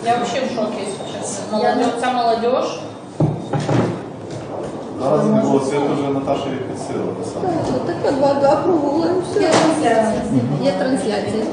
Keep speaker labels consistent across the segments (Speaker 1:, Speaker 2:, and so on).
Speaker 1: Я вообще в шоке, если честно. Молодежь, вся молодежь.
Speaker 2: Зараз не було світу, вже Наташа їх підсила писала.
Speaker 3: Так, два прогулаємо, все. Є трансляція.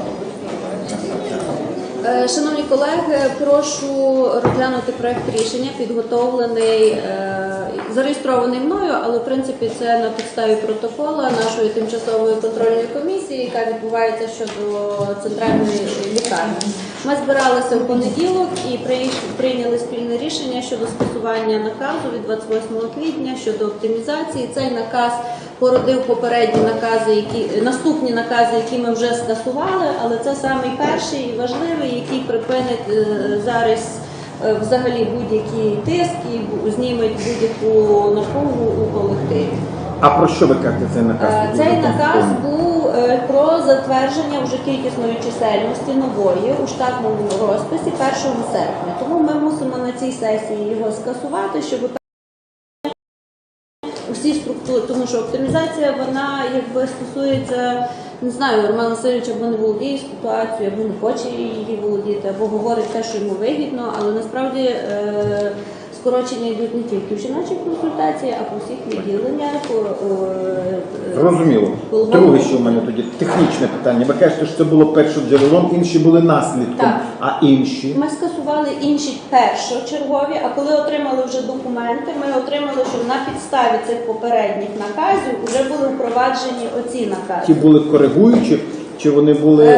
Speaker 3: Шановні колеги, прошу розглянути проект рішення, підготовлений, зареєстрований мною, але в принципі це на підставі протокола нашої тимчасової контрольної комісії, яка відбувається щодо центральної лікарні. Ми збиралися в понеділок і прийняли спільне рішення щодо скасування наказу від 28 квітня щодо оптимізації. Цей наказ породив попередні накази, наступні накази, які ми вже скасували, але це самий перший і важливий, який припинить зараз взагалі будь-який тиск і зніметь будь-яку напругу у колективі.
Speaker 4: А про що ви кажете цей наказ?
Speaker 3: Цей наказ був про затвердження вже кількісної чисельності нової у штатному розписі 1 серпня. Тому ми мусимо на цій сесії його скасувати, щоб усі структури, тому що оптимізація, вона якби стосується, не знаю, Роман Васильович або не володіє ситуацією, або не хоче її володіти, або говорить те, що йому вигідно, але насправді скорочення йдуть не тільки в жіночих консультації, а по всіх відділеннях.
Speaker 4: Зрозуміло. Друге, що в мене тоді технічне питання. Ви кажете, що це було першоджерелом, інші були наслідком,
Speaker 3: так.
Speaker 4: А інші?
Speaker 3: Ми скасували інші першочергові, а коли отримали вже документи, ми отримали, що на підставі цих попередніх наказів вже були впроваджені оці накази.
Speaker 4: Ті були коригуючі, чи вони були...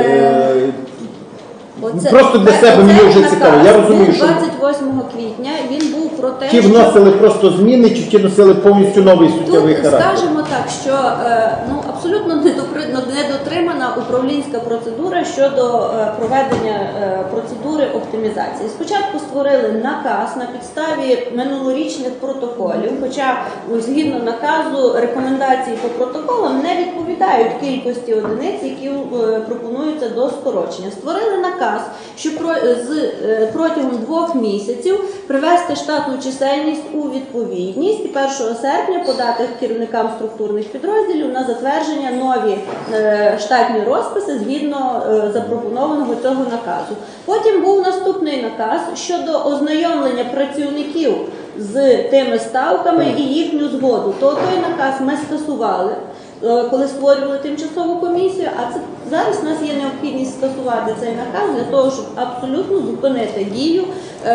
Speaker 4: Просто для себе мені вже цікаво. Я розумію, що
Speaker 3: 28 квітня він був про те,
Speaker 4: ті вносили просто зміни, чи ті носили повністю новий суттєвий
Speaker 3: тут
Speaker 4: характер?
Speaker 3: скажемо так, що абсолютно недотримана управлінська процедура щодо проведення процедури оптимізації. Спочатку створили наказ на підставі минулорічних протоколів, хоча згідно наказу рекомендації по протоколам не відповідають кількості одиниць, які пропонуються до скорочення. Створили наказ, що протягом 2 місяців привести штатну чисельність у відповідність і 1 серпня подати керівникам структурних підрозділів на затвердження нові штатні розписи згідно запропонованого цього наказу. Потім був наступний наказ щодо ознайомлення працівників з тими ставками і їхню згоду. То той наказ ми скасували, коли створювали тимчасову комісію, а це зараз у нас є необхідність скасувати цей наказ для того, щоб абсолютно зупинити дію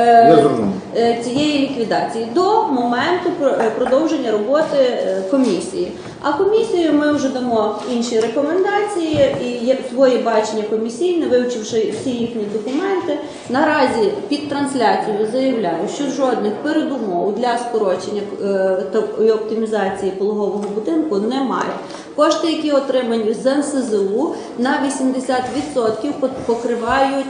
Speaker 3: цієї ліквідації до моменту продовження роботи комісії. А комісію ми вже дамо інші рекомендації і своє бачення комісійне, вивчивши всі їхні документи. Наразі під трансляцією заявляю, що жодних передумов для скорочення і оптимізації пологового будинку немає. Кошти, які отримані з НСЗУ, на 80% покривають,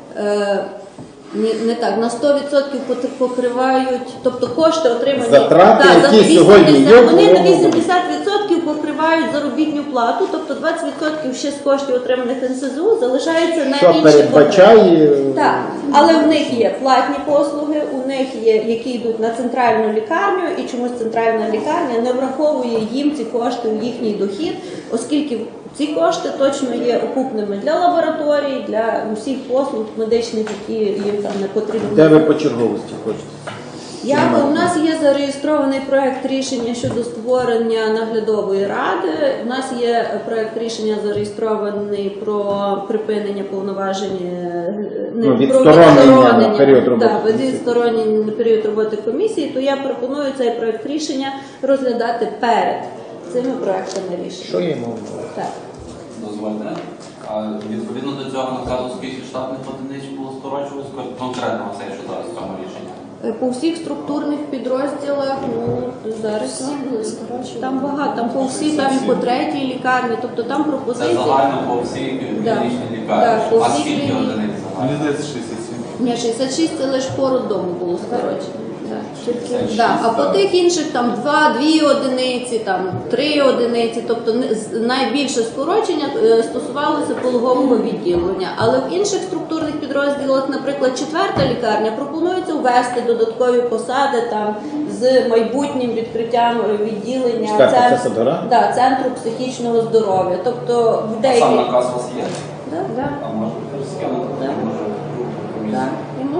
Speaker 3: на 100% покривають, тобто кошти отримані,
Speaker 4: затрати, які сьогодні є,
Speaker 3: вони на 80% покривають заробітну плату, тобто 20% ще з коштів отриманих НСЗУ залишається на
Speaker 4: що
Speaker 3: інші
Speaker 4: передбачає...
Speaker 3: Так, але в них є платні послуги, у них є, які йдуть на центральну лікарню, і чомусь центральна лікарня не враховує їм ці кошти у їхній дохід, оскільки ці кошти точно є окупними для лабораторій, для усіх послуг медичних, які їм там не потрібні.
Speaker 4: Де ви по черговості хочете?
Speaker 3: У нас є зареєстрований проект рішення щодо створення наглядової ради. У нас є проект рішення зареєстрований про припинення повноважень,
Speaker 4: відсторонення період роботи.
Speaker 3: відсторонення період роботи комісії. То я пропоную цей проект рішення розглядати перед цими проектами рішення.
Speaker 4: Що є мова?
Speaker 3: Так.
Speaker 5: Дозвольте. Відповідно до цього наказу, скільки штатних одиниць було скорочувалось конкретно все, що зараз в цьому рішенні?
Speaker 3: По всіх структурних підрозділах, зараз там багато, там по всій, там і по 3-й лікарні, тобто там пропозиції.
Speaker 5: Це загально по всій клінічній лікарні. А скільки одиниць загально?
Speaker 2: Мені здається, 67.
Speaker 3: Ні, 66 це лише по роддому було скорочено. А по тих інших там 2 одиниці, там 3 одиниці, тобто найбільше скорочення стосувалося пологового відділення. Але в інших структурних підрозділах, наприклад, 4-та лікарня, пропонується ввести додаткові посади там з майбутнім відкриттям відділення центру психічного здоров'я. Тобто в деяких...
Speaker 5: Сам наказ у вас є?
Speaker 3: Так.
Speaker 5: А може скинути?
Speaker 3: Так, я можу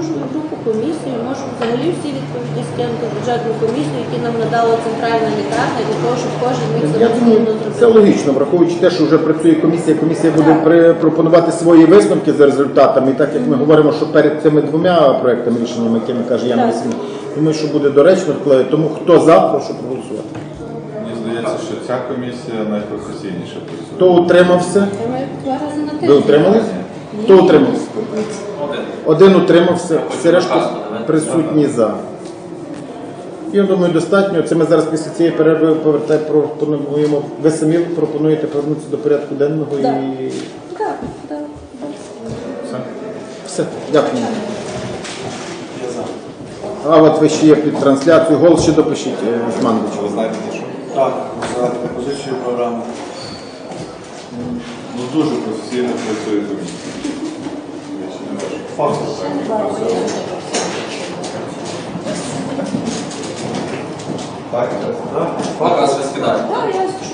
Speaker 3: запрошую групу комісію, можу взагалі всі відповіді скинути в бюджетну комісію, які нам надала центральна лікарня, для того, щоб кожен міг
Speaker 4: Я
Speaker 3: самостійно
Speaker 4: думаю, це
Speaker 3: зробити.
Speaker 4: логічно, враховуючи те, що вже працює комісія, комісія буде пропонувати свої висновки за результатами. І так як ми говоримо, що перед цими двома проектами рішеннями, якими каже Яна
Speaker 3: Так.
Speaker 4: Васильівна, думаю, що буде доречно вкладати. Тому хто за, прошу проголосувати.
Speaker 2: Мені здається, що ця комісія найпрофесійніше працює.
Speaker 4: Хто утримався?
Speaker 3: Ми 2 рази на тиждень.
Speaker 4: Ви утримались? Хто утримався?
Speaker 5: Один.
Speaker 4: Один утримався, всі решта присутні за. Я думаю, достатньо. Це ми зараз після цієї перерви пропонуємо. Ви самі пропонуєте повернутися до порядку денного
Speaker 3: Так.
Speaker 4: і
Speaker 3: Так, так.
Speaker 2: Все?
Speaker 4: все. Дякую. А от ви ще є під трансляцію. Голос ще допишіть з Мандича.
Speaker 2: Ви знаєте за що?
Speaker 6: Так, за пропозицію програми.
Speaker 2: Ну дуже професійно працює комісія. Я ще не бачу.
Speaker 6: Факт.
Speaker 2: Так?
Speaker 6: Так?
Speaker 5: Показ ще скидає.
Speaker 3: Так, я